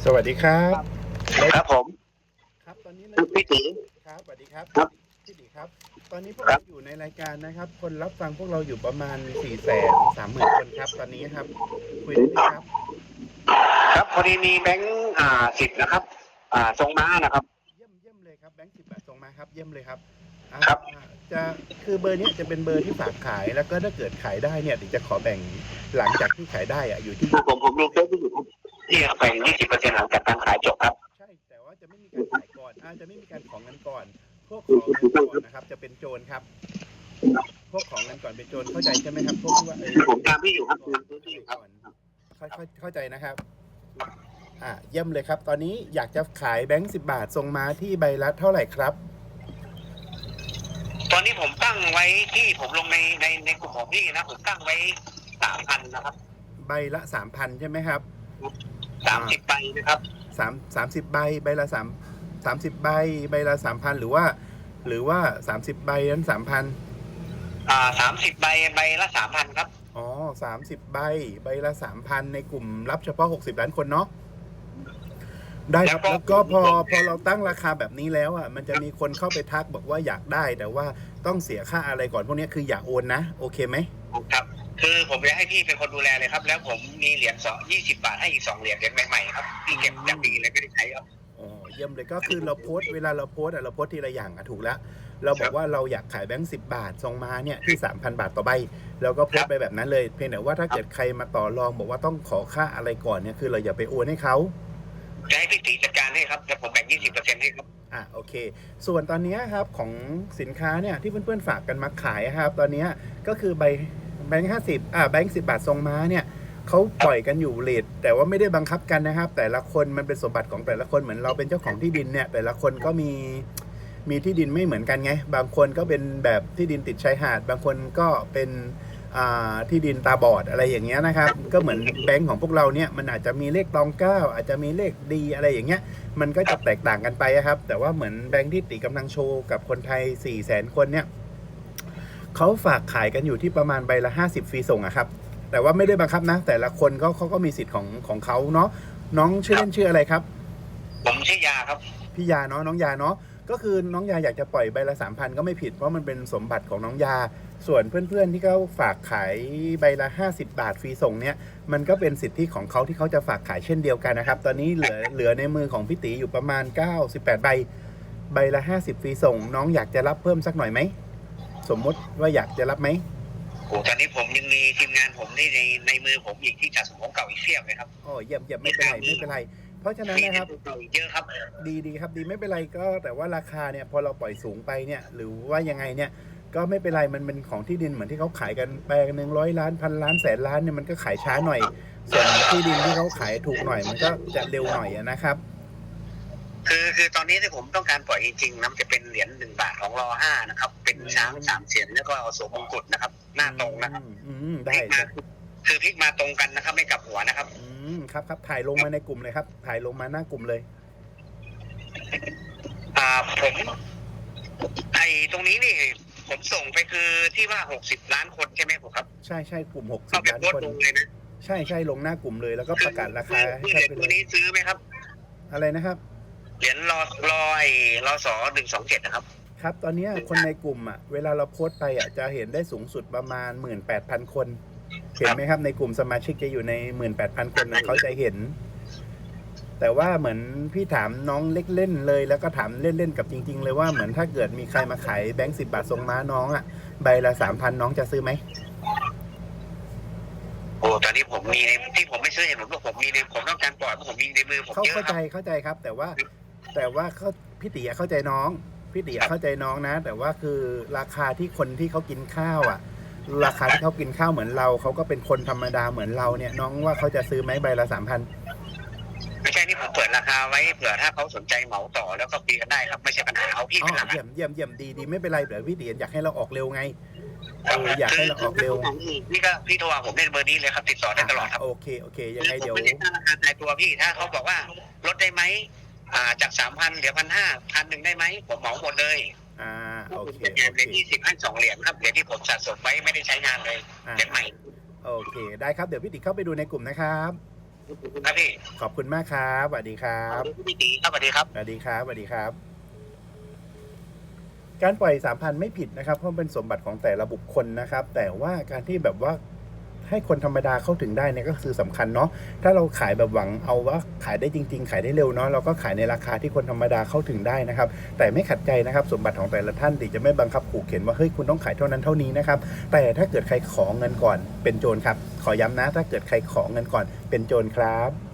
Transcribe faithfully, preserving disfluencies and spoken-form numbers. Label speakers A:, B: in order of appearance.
A: สวัสดีครับ
B: ครับผม
A: ครับตอนนี้เรา
B: คือ
A: อยู่
B: พี่ตี
A: ครับสวัสดีครับ
B: ครับ
A: พี่ดีครับตอนนี้พวก
B: ครับ
A: เราอยู่ในรายการนะครับคนรับฟังพวกเราอยู่ประมาณสี่แสนสามหมื่นคนครับตอนนี้ครับคุยได้เลยครับ
B: ครับพอดีมีแบงค์อ่าสิบนะครับอ่าทรงม้านะครับ
A: เยี่ยมเยี่ยมเลยครับแบงค์สิบบาทส่งมาครับเยี่ยมเลยครับอ่า
B: ครับ
A: จะคือเบอร์เนี้ยจะเป็นเบอร์ที่ฝากขายแล้วก็ถ้าเกิดขายได้เนี่ยเดี๋ยวจะขอแบ่งหลังจากที่ขายได้อะอยู่ที่
B: คือผมผมดูเฟซที่อยู่ครับที่แบ่งยี่สิบเปอร์เซ็นต์หลังจากการขายจบครับ
A: ใช่แต่ว่าจะไม่มีการขายก่อนอาจจะไม่มีการขอเงินก่อนพวกขอเงินก่อนนะครับจะเป็นโจรครับ พวกของเงินก่อนเป็นโจรเข้าใจใช่ไหมครับพวกที่ว่าเออ
B: ผมตามพี่อยู่ครับตามพี่อยู่ครับ
A: ก่อนเข้าเข้าเข้าใจนะครับอ่าเยี่ยมเลยครับ ตอนนี้อยากจะขายแบงค์สิบบาทส่งมาที่ใบละเท่าไหร่ครับ
B: ตอนนี้ผมตั้งไว้ที่ผมลงในในในกลุ่มของพี่นะผมตั้งไว้สามพันนะครับ
A: ใบละสามพันใช่ไหมครับ
B: สามสิบใบนะครับ
A: สามสามสิบใบใบละสามสามสิบใบใบละสามพันหรือว่า หรือว่าสามสิบใบนั้นสามพัน
B: อ่าสามสิบใบใบละสามพันครับ
A: อ๋อสามสิบใบใบละสามพันในกลุ่มรับเฉพาะหกสิบล้านคนเนาะ ได้ครับแล้วก็พอพอเราตั้งราคาแบบนี้แล้วอ่ะมันจะมีคนเข้าไปทักบอกว่าอยากได้แต่ว่าต้องเสียค่าอะไรก่อนพวกนี้คืออย่าโอนนะโอเคไหม
B: ครับคือผมจะให้พี่เป็นคนดูแลเลยครับแล้วผมมีเหรียญสองยี่สิบบาทให้อีกสองเหรียญเหรียญใหม่ๆครับพี่เก็บจากปีเลยไม่ได้ใช้ครับ
A: อ๋อเยี่ยมเลยก็คือเราโพสต์เวลาเราโพสต์อะเราโพสต์ทีละอย่างอะถูกแล้วเราบอกว่าเราอยากขายแบงค์สิบบาทส่งมาเนี่ยที่สามพันบาทต่อใบเราก็โพสต์ไปแบบนั้นเลยเพียงแต่ว่าถ้าเกิดใครมาต่อรองบอกว่าต้องขอค่าอะไรก่อนเนี่ยคือเราอย่าไปโอนให้เขา
B: จะให้พี่ตีจัดการให้ครับแล้วผมแบ่งยี่สิบเปอร์เซ็นต์ให้ครับ
A: อ่ะโอเคส่วนตอนนี้ครับของสินค้าเนี่ยที่เพื่อนๆฝากกันมาขายครับตอนนี้ก็คือใบแบงค์ห้าสิบอ่าแบงค์สิบบาททรงม้าเนี่ยเขาปล่อยกันอยู่เรทแต่ว่าไม่ได้บังคับกันนะครับแต่ละคนมันเป็นสมบัติของแต่ละคนเหมือนเราเป็นเจ้าของที่ดินเนี่ยแต่ละคนก็มีมีที่ดินไม่เหมือนกันไงบางคนก็เป็นแบบที่ดินติดชายหาดบางคนก็เป็นที่ดินตาบอดอะไรอย่างเงี้ยนะครับก็เหมือนแบงค์ของพวกเราเนี่ยมันอาจจะมีเลขตองเก้าอาจจะมีเลขดีอะไรอย่างเงี้ยมันก็จะแตกต่างกันไปครับแต่ว่าเหมือนแบงค์ที่ติกำลังโชว์กับคนไทยสี่แสนคนเนี่ยเขาฝากขายกันอยู่ที่ประมาณใบละห้าสิบฟรีส่งอะครับแต่ว่าไม่ได้บังคับนะแต่ละคนก็เขาก็มีสิทธิ์ของของเขาเนาะน้องชื่อเล่นชื่ออะไรครับ
B: ผมชื่อยาครับ
A: พี่ยาเนาะน้องยาเนาะก็คือน้องยาอยากจะปล่อยใบละสามพันก็ไม่ผิดเพราะมันเป็นสมบัติของน้องยาส่วนเพื่อนๆที่เขาฝากขายใบละห้าสิบบาทฟรีส่งเนี่ยมันก็เป็นสิทธิของเขาที่เขาจะฝากขายเช่นเดียวกันนะครับตอนนี้เหลือเหลือในมือของพี่ตีอยู่ประมาณเก้าสิบแปดใบใบละห้าสิบฟรีส่งน้องอยากจะรับเพิ่มสักหน่อยไหมสมมติว่าอยากจะรับไหม
B: โอ้ตอนนี้ผมยังมีทีมงานผมที่ในในมือผมอีกที่จัดสมของเก่าอีกเพียบเลยครับ
A: อ๋อเยี่ยมเยี่ยมไม่เป็นไรไม่เป็นไรเพราะฉะนั้นนะครับ
B: เยอะครับ
A: ดีดีครับดีไม่เป็นไรก็แต่ว่าราคาเนี่ยพอเราปล่อยสูงไปเนี่ยหรือว่ายังไงเนี่ยก็ไม่เป็นไรมันเป็นของที่ดินเหมือนที่เขาขายกันแปลงหนึ่งร้อยล้านพันล้านแสนล้านเนี่ยมันก็ขายช้าหน่อยส่วนที่ดินที่เขาขายถูกหน่อยมันก็จะเร็วหน่อยนะครับ
B: คือคือตอนนี้ที่ผมต้องการปล่อยจริงๆนะจะเป็นเหรียญหนึ่งบาทของรอห้านะครับเป็นช้างสามเสียนแล้วก็สวมมงกุฎนะครับหน้าตรงนะครับ
A: ได้
B: คือพลิกมาตรงกันนะครับไม่กลับหัวนะครับ
A: อืมครับครับถ่ายลงมาในกลุ่มเลยครับถ่ายลงมาหน้ากลุ่มเลย
B: อ่าผมไอ้ตรงนี้นี่ผมส่งไปคือที่ว่าหกสิบล้านคนใช่ไหมผมครับ
A: ใช่ใช่กลุ่มหกสิบล้านคน
B: เลยนะ
A: ใช่ใช่ลงหน้ากลุ่มเลยแล้วก็ประกาศราคา
B: ให้ชัดไปเลยตัวนี้ซื้อไหมครับ
A: อะไรนะครับ
B: เหรียญรอรอไอ้รอสอหนึ่งสองเจ็ดนะครับ
A: ครับตอนนี้คนในกลุ่มอ่ะเวลาเราโพสต์ไปอ่ะจะเห็นได้สูงสุดประมาณหมื่นแปดพันคนเห็นไหมครับในกลุ่มสมาชิกจะอยู่ในหมื่นแปดพันคนนะเขาจะเห็นแต่ว่าเหมือนพี่ถามน้องเล็กเล่นเลยแล้วก็ถามเล่นๆกับจริงๆเลยว่าเหมือนถ้าเกิดมีใครมาขายแบงค์สิบบาททรงม้าน้องอ่ะใบละสามพันน้องจะซื้อไหม
B: โอ้ตอนนี้ผมมีในที่ผมไม่ซื้อเห็นผมว่าผมมีในผมต้องการปล่อยเพราะผมมีในมือผมเยอะ
A: เข้าใจเข้าใจครับแต่ว่าแต่ว่าเขาพี่ตีเข้าใจน้องพี่ตีเข้าใจน้องนะแต่ว่าคือราคาที่คนที่เขากินข้าวอ่ะราคาที่เขากินข้าวเหมือนเราเขาก็เป็นคนธรรมดาเหมือนเราเนี่ยน้องว่าเขาจะซื้อไหมใบละสามพัน
B: ไม่ใช่นี่ผมเปิดราคาไว้เผื่อถ้าเขาสนใจเหมาต่อแล้วก็คุยกันได้ครับไม่ใช่ปัญหาเอาพี่เป็นหลัก
A: เยี่ยมเยี่ยมเยี่ยมดีดีไม่เป็นไรเดี๋ยวพี่ตีอยากให้เราออกเร็วไงเอออยากให้เราออกเร็ว
B: นี่ก็พี่โทรผมได้เบอร์นี้เลยครับติดต่อได้ตลอดครับ
A: โอเคโอเคยังไงเดี๋ยว
B: ไม่ได้ตั้งราคาตายตัวพี่ถ้าเขาบอกว่าลดได้ไหมอ่าจากสามพันเหลือพันห้าพันหนึ่งได้ไหมผมเหมาหมดเลย
A: อ่าโอเค
B: เหรียญยี่สิบให้สองเหรียญครับเหรียญที่ผมสะสมไว้ไม่ได้ใช้งานเลยเหรียญใหม่
A: โอเคได้ครับเดี๋ยวพี่ติเข้าไปดูในกลุ่มนะครับ
B: ครับพี่
A: ขอบคุณมากครับสวัสดีครับ
B: พี่ตีครับสวัสดีครับ
A: สวัสดีครับสวัสดีครับ การปล่อย สามพัน ไม่ผิดนะครับเพราะเป็นสมบัติของแต่ละบุคคลนะครับแต่ว่าการที่แบบว่าให้คนธรรมดาเข้าถึงได้เนี่ยก็คือสำคัญเนาะถ้าเราขายแบบหวังเอาว่าขายได้จริงๆขายได้เร็วเนาะเราก็ขายในราคาที่คนธรรมดาเข้าถึงได้นะครับแต่ไม่ขัดใจนะครับสมบัติของแต่ละท่านที่จะไม่บังคับขู่เข็นว่าเฮ้ยคุณต้องขายเท่านั้นเท่านี้นะครับแต่ถ้าเกิดใครขอเงินก่อนเป็นโจรครับขอย้ำนะถ้าเกิดใครขอเงินก่อนเป็นโจรครับ